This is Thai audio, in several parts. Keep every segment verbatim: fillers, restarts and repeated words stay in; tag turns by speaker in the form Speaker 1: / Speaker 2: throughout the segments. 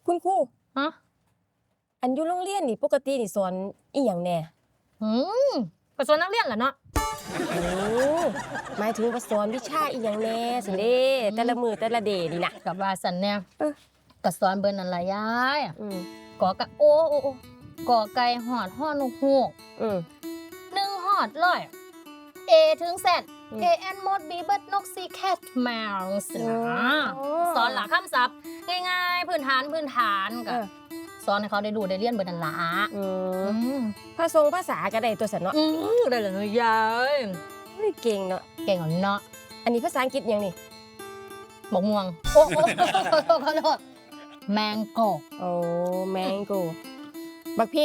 Speaker 1: คุณครู
Speaker 2: ฮะ
Speaker 1: อันอยู่โรงเรียนนี่ปกตินี่สอนอีหยังแน่
Speaker 2: อืมก็สอนนักเรียนแหละเนาะ
Speaker 1: โอ้หมายถึงว่าสอนวิชาอีหยังแน่สิเด้แต่ละมือแต่ละเดนี่นะ
Speaker 2: กับว่าสันเนี่ย
Speaker 1: เออ
Speaker 2: ก็สอนเบิ่นนั่นล่ะยาย
Speaker 1: อืม
Speaker 2: กอกะโอ้โอ้โอ้กอไก่หอดฮอดนกฮูก
Speaker 1: อืม
Speaker 2: หนึ่งฮอดร้อย A ถึง Z A N หมด B เบิดนก C cat mouse นะสอนหลักคำศัพท์ง่ายๆพื้นฐานพื้นฐานก็สอนให้เขาได้ดูได้เรียนเบิดนั่นล่ะ
Speaker 1: อื
Speaker 2: ม
Speaker 1: ภาษาภาษาก็ได้ตัวสันเนาะ
Speaker 2: อือได้เลยยาย
Speaker 1: เฮ้ยเก่งเนาะ
Speaker 2: เก่งเหรอเนาะ
Speaker 1: อันนี้ภาษาอังกฤษหยังนี่
Speaker 2: บกม่วงโอ้โอ้ขอโทษขอโทษแมงโก
Speaker 1: โอ้แมงโกบักพริก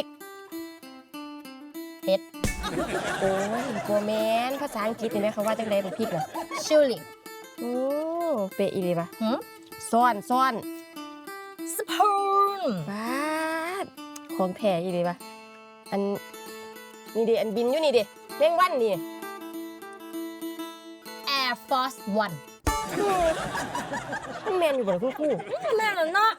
Speaker 2: เฮ็ด
Speaker 1: โอ้ยโกแมนภาษาอังกฤษนี่แม่เขาว่าจังได๋บักพริกน่ะ
Speaker 2: ชิลลี่
Speaker 1: โอ้เป๊ะอีหลีป่ะ
Speaker 2: หือ
Speaker 1: ซ้อนซ้อน
Speaker 2: สปูน
Speaker 1: บาดของแท้อีหลีป่ะอันนี่ดิอันบินอยู่นี่ดิแมงวันนี่
Speaker 2: Air Force One
Speaker 1: แม่นอยู่บ่ล่ะคุณครู
Speaker 2: แม่นแล้วเนาะ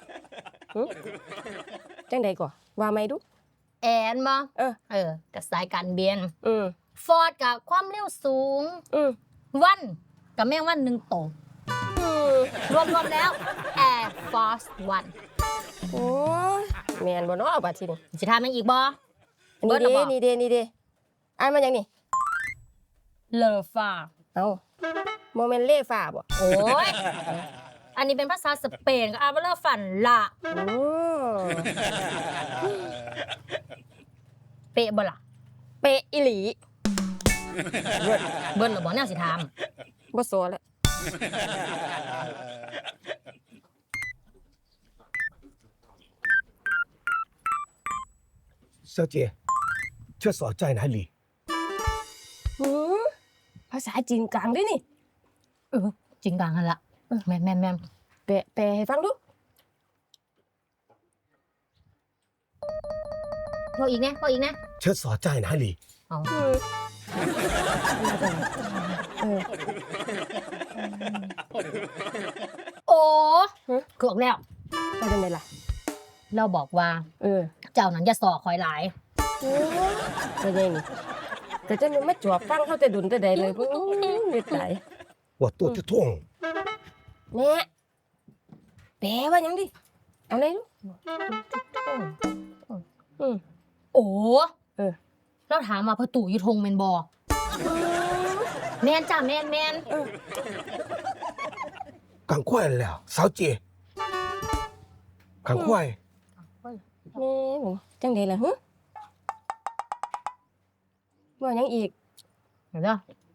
Speaker 1: จังได๋ก่อว่าไหมดู
Speaker 2: แอนบ่
Speaker 1: เออ
Speaker 2: เออกับสายการบิน
Speaker 1: อืม
Speaker 2: ฟอร์ดกับความเร็วสูง
Speaker 1: อืม
Speaker 2: วันกับแมงวันหนึ่งโต
Speaker 1: อืม
Speaker 2: รวมๆแล้ว Air Force One
Speaker 1: โอ้ยแม่นบ่เนาะบัดทีนี้
Speaker 2: สิถามยังอีกบ่
Speaker 1: นี่เด้นี่เด้นี่เด้อ่านมาจังนี่
Speaker 2: เลอฟ้า
Speaker 1: เอ้าบ่แม่นเล่ฟ้าบ่
Speaker 2: โอ้ยอันนี้เป็นภาษาสเปนก็อ่านว่าเลอฟันละ
Speaker 1: โอ้
Speaker 2: เป๊ะบ่ล่ะ
Speaker 1: เป๊ะอีหลี
Speaker 2: เบิ้ลเบิ้ลหรือบ่แนวสิถาม
Speaker 1: บ่สอแล้ว
Speaker 3: 小姐，厕所在哪里？
Speaker 1: หือภาษาจีนกลางด้วยนี่
Speaker 2: เออจริงกลางหั่นล่ะแม่นแม่นแม่น
Speaker 1: แปลแปลให้ฟังดู
Speaker 2: พออีกนะพออีกนะ
Speaker 3: 厕所在哪里？
Speaker 2: อ๋อ
Speaker 1: เออ
Speaker 2: โอ้เกือกแล้ว
Speaker 1: ไปจังได๋ล่ะ
Speaker 2: เราบอกว่า
Speaker 1: เออ
Speaker 2: เจ้านั้นอย่าสอคอยหลาย
Speaker 1: โอ้ไปได้นี่ก็จะมาจอบฟังเฮาแต่ดุนแต่ใดเลยโอ้ยเม็ดไหล
Speaker 3: 我肚子痛。
Speaker 1: แม่แปลว่าหยังดิเอาเลยลูกอืม
Speaker 2: โอ้
Speaker 1: เออ
Speaker 2: เราถามว่าประตูอยู่ทงแม่นบ่แม่นจ้ะแม่นแม่นเออ
Speaker 3: 赶快了，小姐，赶快。
Speaker 1: แม่บ่จังได๋ล่ะหึว่าหยังอีก
Speaker 2: เดี๋ยวเด้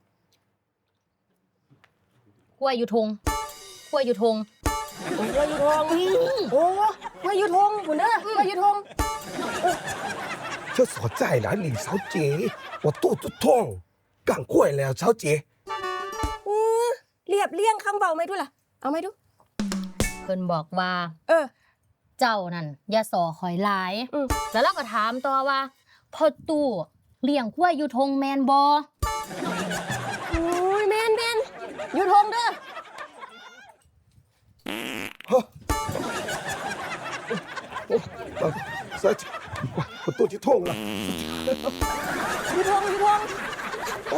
Speaker 2: อกล้วยอยู่ทงกล้วยอยู่ทง
Speaker 1: โอ้ยอยู่ทงโอ้กล้วยอยู่ทงพุ่นเด้อกล้วยอยู่ทง
Speaker 3: 厕所在哪里，小姐？我肚子痛，赶快了，小姐。
Speaker 1: เออเรียบเรียงคำเว้าไหมดูล่ะเอาไหมดู
Speaker 2: เพิ่นบอกว่า
Speaker 1: เออ
Speaker 2: เจ้านั่นอย่าสอคอยหลายแล้วเราก็ถามต่อว่าพ่อตู่เลี้ยงกล้วยอยู่ทงแมนบ่
Speaker 1: โอ้ยแม่นแม่นอยู่ทงเด้อ
Speaker 3: 小姐，我我肚子痛了。
Speaker 1: อยู่ทงอยู่ทงโอ้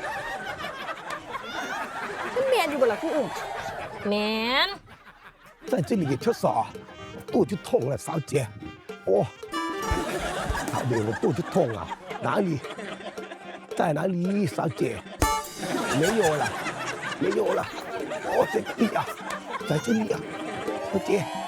Speaker 1: มันแม่นอยู่บ่ล่ะคุณอุ้ม
Speaker 2: แม่น
Speaker 3: 在这里厕所，肚子痛了，小姐。哦，小姐，我肚子痛啊，哪里？在哪里，小姐？没有了，没有了。哦，在这里啊，在这里啊，小姐。